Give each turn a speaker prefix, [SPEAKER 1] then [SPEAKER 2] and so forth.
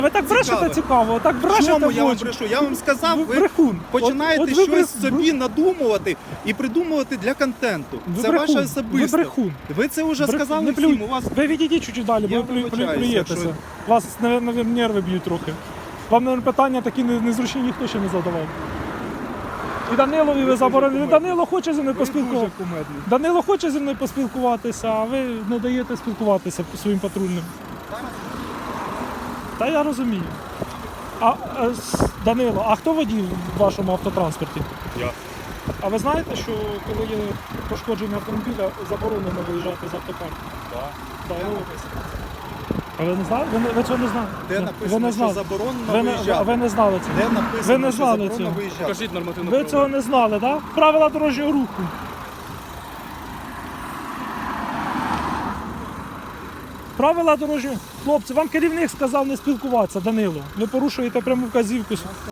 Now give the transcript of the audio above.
[SPEAKER 1] Ви так брешете цікаво, так брешете.
[SPEAKER 2] Чому я вам
[SPEAKER 1] в очі.
[SPEAKER 2] брешу? Я вам сказав, ви
[SPEAKER 1] брехун.
[SPEAKER 2] починаєте
[SPEAKER 1] От ви
[SPEAKER 2] щось собі надумувати і придумувати для контенту.
[SPEAKER 1] Ви
[SPEAKER 2] Це
[SPEAKER 1] брехун.
[SPEAKER 2] ваше особисте.
[SPEAKER 1] Ви брехун.
[SPEAKER 2] Ви це вже сказали
[SPEAKER 1] Не
[SPEAKER 2] всім.
[SPEAKER 1] плюй.
[SPEAKER 2] У вас
[SPEAKER 1] Ви відійдіть чуть-чуть далі,
[SPEAKER 2] Я
[SPEAKER 1] бо ви
[SPEAKER 2] вибачаюсь,
[SPEAKER 1] плюєтеся.
[SPEAKER 2] якщо-
[SPEAKER 1] Вас, мабуть, нерви б'ють трохи. Вам, мабуть, питання такі незручні ніхто ще не задавав. І Данилові ви заборонили. Данило хоче зі мною
[SPEAKER 2] ви дуже
[SPEAKER 1] поспілкуватися.
[SPEAKER 2] кумедні.
[SPEAKER 1] Данило хоче зі мною поспілкуватися, а ви не даєте спілкуватися своїм патрульним. Та я розумію. Данило, а хто водій в вашому автотранспорті?
[SPEAKER 2] Я.
[SPEAKER 1] А ви знаєте, що коли є пошкодження автомобіля, заборонено виїжджати з автопарку?
[SPEAKER 2] Так.
[SPEAKER 1] Да, а ви не знали? Ви цього не знали?
[SPEAKER 2] Де
[SPEAKER 1] ви
[SPEAKER 2] написано,
[SPEAKER 1] не
[SPEAKER 2] що
[SPEAKER 1] знали.
[SPEAKER 2] заборонено
[SPEAKER 1] А
[SPEAKER 2] виїжджати?
[SPEAKER 1] ви не знали цього?
[SPEAKER 2] Де
[SPEAKER 1] Ви
[SPEAKER 2] написано,
[SPEAKER 1] не
[SPEAKER 2] що
[SPEAKER 1] знали
[SPEAKER 2] заборонено
[SPEAKER 1] цього?
[SPEAKER 2] виїжджати?
[SPEAKER 3] Покажіть нормативну
[SPEAKER 1] Ви цього не знали, так? Да? Правила дорожнього руху. Правила дорожнього. Хлопці, вам керівник сказав не спілкуватися, Данило. Ви порушуєте пряму вказівку.